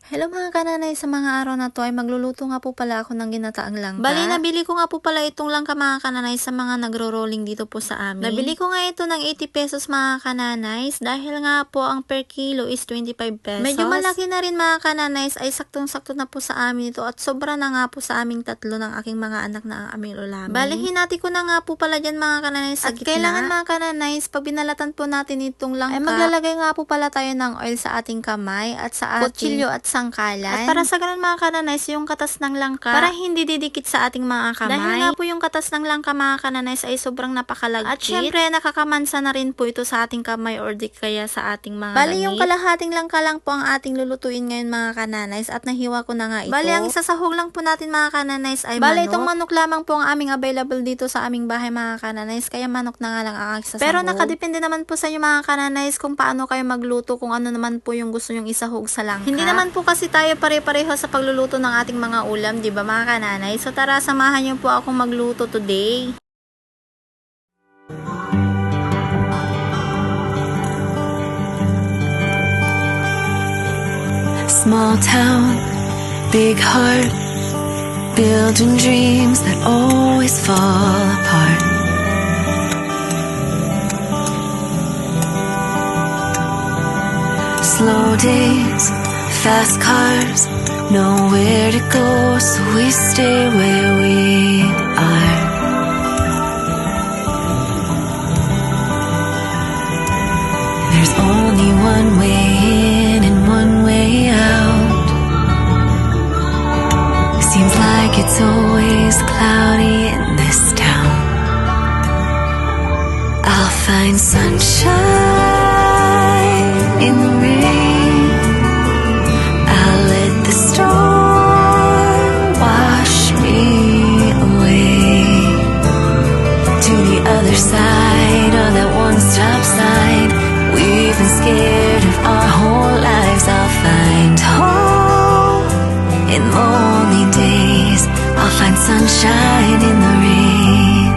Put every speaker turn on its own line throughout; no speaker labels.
Hello mga kananay, sa mga araw na to ay magluluto nga po pala ako ng ginataang langka. Bali, nabili ko nga po pala itong langka mga kananay sa mga nagro-rolling dito po sa amin. Nabili ko nga ito ng 80 pesos mga kananay dahil nga po ang per kilo is 25 pesos. Medyo malaki na rin mga kananay, ay saktong-sakto na po sa amin ito at sobra na nga po sa aming tatlo ng aking mga anak na ang aming ulamin. Bali, hinati ko na nga po pala dyan mga kananay sa gitna. At kailangan mga kananay, pag binalatan po natin itong langka, ay maglalagay nga po pala tayo ng oil sa ating kamay at sa ating kutsilyo at sangkalan. At para sa ganun mga kananays, yung katas ng langka, para hindi didikit sa ating mga kamay. Dahil nga po yung katas ng langka mga kananays ay sobrang napakalagkit. At syempre, nakakamansa na rin po ito sa ating kamay or di kaya sa ating mga Bali, yung kalahating langka lang po ang ating lulutuin ngayon mga kananays at nahiwa ko na nga ito. Bali, ang isasahog lang po natin mga kananays ay Bali, itong manok lamang po ang aming available dito sa aming bahay mga kananays, kaya manok na nga lang ang isasahog. Pero nakadepende naman po sa inyo mga kananays kung paano kayo magluto, kung ano naman po yung gusto nyong isahog sa langka. Hindi naman po kasi tayo pare-pareho sa pagluluto ng ating mga ulam, di ba mga kananay? So tara, samahan niyo po akong magluto today.
Small town, big heart, building dreams that always fall apart. Slow days, fast cars, nowhere to go, so we stay where we are. There's only one way in and one way out. Seems like it's always cloudy in this town. I'll find sunshine in the rain. I'll let the storm wash me away to the other side of that one-stop sign. We've been scared of our whole lives. I'll find home in lonely days. I'll find sunshine in the rain.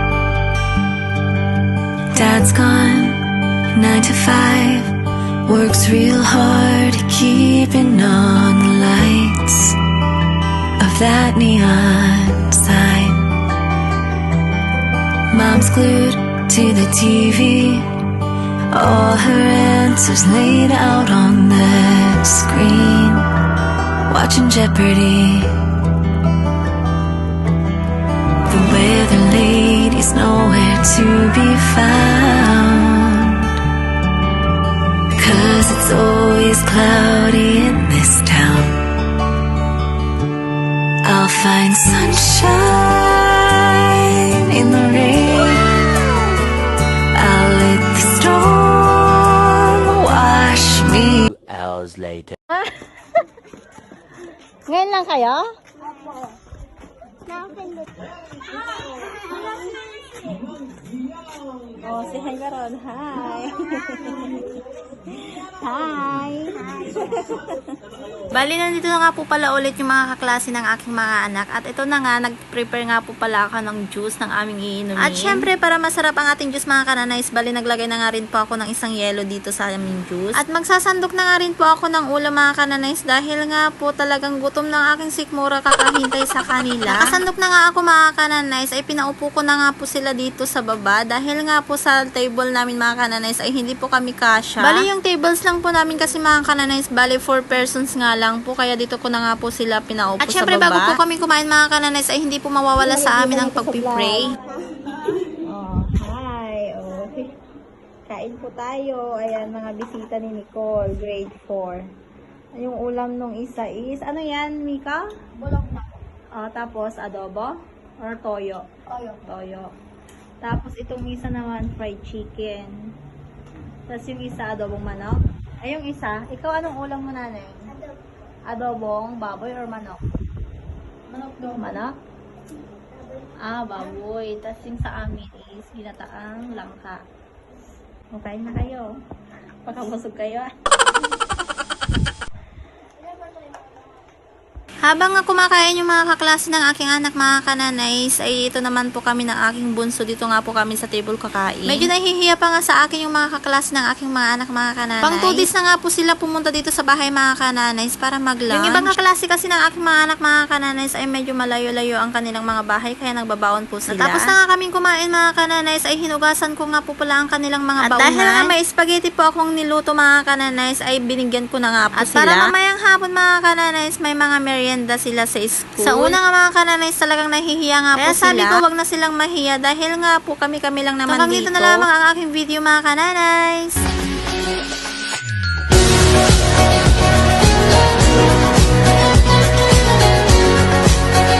Dad's gone, 9 to 5. Works real hard keeping on the lights of that neon sign. Mom's glued to the TV, all her answers laid out on the screen, watching Jeopardy. The weather lady's nowhere to be found, 'cause it's always cloudy in this town. I'll find sunshine in the rain. I'll let the storm wash me.
2 hours later.
Ngayon lang kayo? Oh, si hi Garon. Hi. Hi. Bali, nandito na nga po pala ulit yung mga kaklase ng aking mga anak. At ito na nga, nag-prepare nga po pala ako ng juice ng aming iinumin. At syempre, para masarap ang ating juice mga kananays, bali naglagay na nga rin po ako ng isang yelo dito sa aming juice. At magsasandok na nga rin po ako ng ulam mga kananays dahil nga po talagang gutom ng aking sikmura kakahintay sa kanila. Nakasandok na nga ako mga kananays, ay pinaupo ko na nga po sila dito sa baba dahil nga po sa table namin mga kananays ay hindi po kami kasya. Bali yung tables lang po namin kasi mga kananays, bali 4 persons nga lang po, kaya dito ko na nga po sila pinaupo sa baba. At syempre bago po kami kumain mga kananays ay hindi po mawawala sa amin ang pagpipray. Oh, hi. Oh. Kain po tayo. Ayan, mga bisita ni Nicole, grade 4. Yung ulam nung isa is, ano yan, Mika?
Bulok na.
Tapos adobo or toyo?
Toyo.
Toyo. Tapos itong isa naman fried chicken. Tapos yung isa adobong manok. Ay yung isa, ikaw anong ulam mo nanay? Adobong baboy or manok?
Manok daw.
Manok? Baboy. Tapos yung sa amin is ginataang langka. Okay na kayo. Pakabusog kayo. Habang nga kumakain yung mga kaklase ng aking anak mga kananays, ay ito naman po kami ng aking bunso. Dito nga po kami sa table kakain. Medyo nahihiya pa nga sa akin yung mga kaklase ng aking mga anak mga kananays. Pang 2 days na nga po sila pumunta dito sa bahay mga kananays para mag-lunch. Yung ibang kaklase kasi ng aking mga anak mga kananays ay medyo malayo-layo ang kanilang mga bahay kaya nagbabaon po sila. Tapos na nga kaming kumain mga kananays ay hinugasan ko nga po pala ang kanilang mga baunan. At dahil nga may spaghetti po akong niluto mga kananays ay binigyan ko na nga po sila. At para mamayang hapon mga kananays may mga merienda sila sa school. Sa una nga mga kananays talagang nahihiya nga po sila. Kaya sabi ko wag na silang mahiya dahil nga po kami lang naman dito. Dito na lamang ang aking video mga kananays.